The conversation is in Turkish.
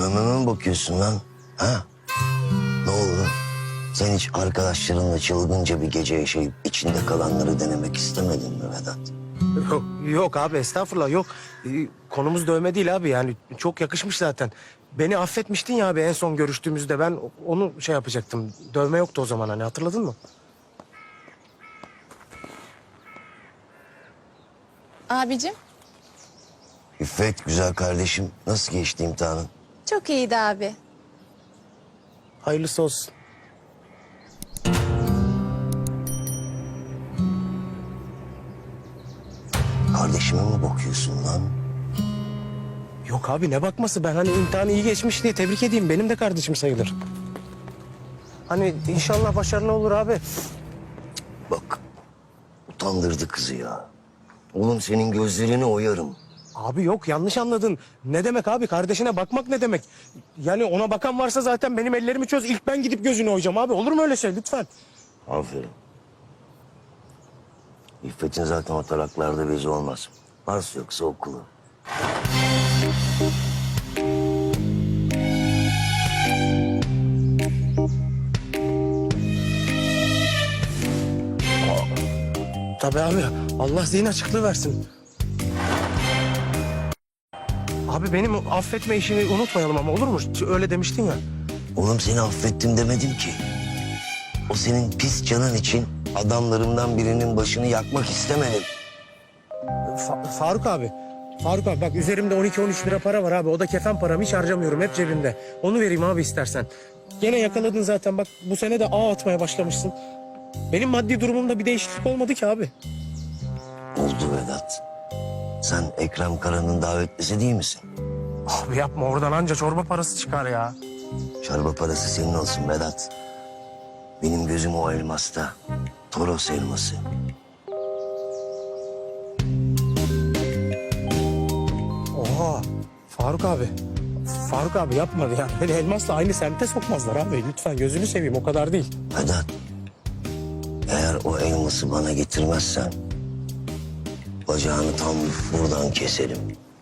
Dövmeme mi bakıyorsun lan? Ha? Ne oldu? Sen hiç arkadaşlarınla çılgınca bir gece yaşayıp içinde kalanları denemek istemedin mi Vedat? Yok abi, estağfurullah, yok. Konumuz dövme değil abi, yani çok yakışmış zaten. Beni affetmiştin ya abi en son görüştüğümüzde, ben onu şey yapacaktım. Dövme yoktu o zaman, hani hatırladın mı? Abicim, İffet, güzel kardeşim. Nasıl geçti imtihanın? çok iyiydi abi. Hayırlısı olsun. Kardeşime mi bakıyorsun lan? Yok abi, ne bakması, ben hani imtihanı iyi geçmiş diye tebrik edeyim, benim de kardeşim sayılır. Hani inşallah başarılı olur abi. Bak, utandırdı kızı ya. Oğlum senin gözlerini oyarım. Abi yok, yanlış anladın. Ne demek abi, kardeşine bakmak ne demek? Yani ona bakan varsa zaten benim ellerimi çöz, ilk ben gidip gözünü oyacağım abi. Olur mu öyle şey, lütfen? Aferin. İffet'in zaten o taraklarda bezi olmaz. Varsa yoksa okulu. Tabii abi, Allah zihin açıklığı versin. Abi benim affetme işini unutmayalım ama, olur mu? Öyle demiştin ya. Oğlum seni affettim demedim ki. O senin pis canın için adamlarımdan birinin başını yakmak istemedim. Faruk abi. Faruk abi bak, üzerimde 12-13 lira para var abi. O da kefen param, hiç harcamıyorum, hep cebimde. Onu vereyim abi istersen. Gene yakaladın zaten, bak bu sene de ağ atmaya başlamışsın. Benim maddi durumumda bir değişiklik olmadı ki abi. Oldu Vedat. Sen Ekrem Kara'nın davetlisi değil misin? Abi yapma, oradan anca çorba parası çıkar ya. Çorba parası senin olsun Vedat. Benim gözüm o elmasta. Toros elması. Oha Faruk abi. Faruk abi yapma ya. Beni elmasla aynı semte sokmazlar abi. Lütfen gözünü seveyim, o kadar değil. Vedat, eğer o elması bana getirmezsen bacağını tam buradan keserim.